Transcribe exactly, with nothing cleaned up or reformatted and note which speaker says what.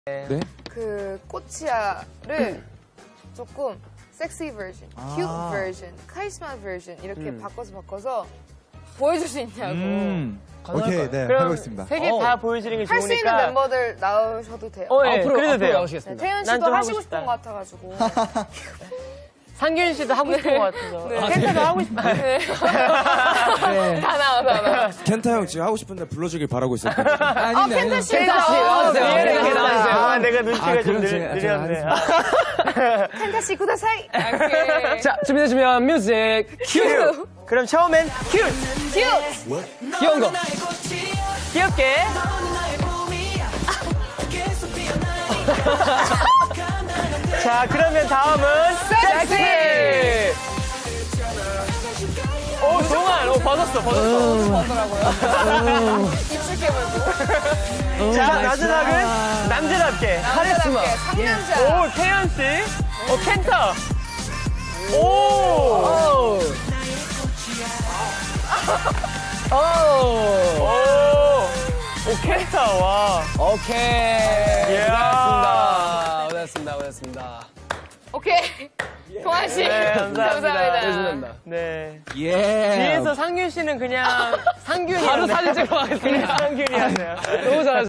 Speaker 1: 네?
Speaker 2: 그 꼬치야를 조금 섹시 버전, 큐트 버전, 카리스마 버전 이렇게 바꿔서 바꿔서 보여줄 수 있냐고.
Speaker 1: 음.
Speaker 3: 오케이, 네,
Speaker 4: 그럼
Speaker 3: 해보겠습니다.
Speaker 4: 세 개 다 보여드리는 게
Speaker 2: 할 수 있는
Speaker 4: 좋으니까.
Speaker 2: 멤버들 나오셔도 돼요.
Speaker 4: 어, 예,
Speaker 1: 앞으로,
Speaker 4: 그래도
Speaker 1: 앞으로
Speaker 4: 돼요.
Speaker 1: 나오시겠습니다.
Speaker 2: 네, 태연
Speaker 4: 난
Speaker 2: 씨도
Speaker 4: 좀
Speaker 2: 하시고
Speaker 4: 하고
Speaker 2: 싶은
Speaker 4: 싶다.
Speaker 2: 것 같아가지고.
Speaker 4: 상균 씨도 하고 싶은 것 같아서.
Speaker 2: 네.
Speaker 4: 켄타도 하고 싶다.
Speaker 2: 네. 다 나와, 다 나와.
Speaker 5: 켄타 형 지금 하고 싶은데 불러주길 바라고 있어요.
Speaker 2: 아, 펜타 씨.
Speaker 1: 켄타 씨, 나와주세요.
Speaker 4: 네,
Speaker 1: 네,
Speaker 4: 이렇게 나와주세요. 아, 내가 눈치가
Speaker 5: 아,
Speaker 4: 좀
Speaker 5: 그럼
Speaker 4: 느,
Speaker 5: 제가-
Speaker 4: 느렸네.
Speaker 5: 제가
Speaker 2: 펜타 씨, 구다사이. 오케이.
Speaker 1: 자, 준비되시면 뮤직 큐!
Speaker 4: 그럼 처음엔 큐!
Speaker 2: 큐!
Speaker 1: 귀여운 거.
Speaker 4: 귀엽게. 자, 그러면 다음은
Speaker 2: 섹시!
Speaker 4: 오, 동안. 오, 벗었어, 벗었어.
Speaker 2: 입술 깨물고.
Speaker 4: 자, 마지막은 남자답게.
Speaker 2: 카리스마. 상남자.
Speaker 4: 오, 태연 씨. 오, 켄타. 오!
Speaker 1: 오! 오!
Speaker 4: 오! 오, 켄타, 와.
Speaker 1: 오케이.
Speaker 4: 이야.
Speaker 1: 고생하셨습니다. 고생하셨습니다. 고생하셨습니다.
Speaker 2: 오케이. 동환 씨.
Speaker 4: 네, 감사합니다.
Speaker 1: 고생하셨습니다.
Speaker 4: 네.
Speaker 5: 예.
Speaker 4: 뒤에서 상균 씨는 그냥 상균이.
Speaker 1: 바로 사진 찍어 가겠습니다.
Speaker 4: 상균이었네요.
Speaker 1: 너무 잘하셨어요.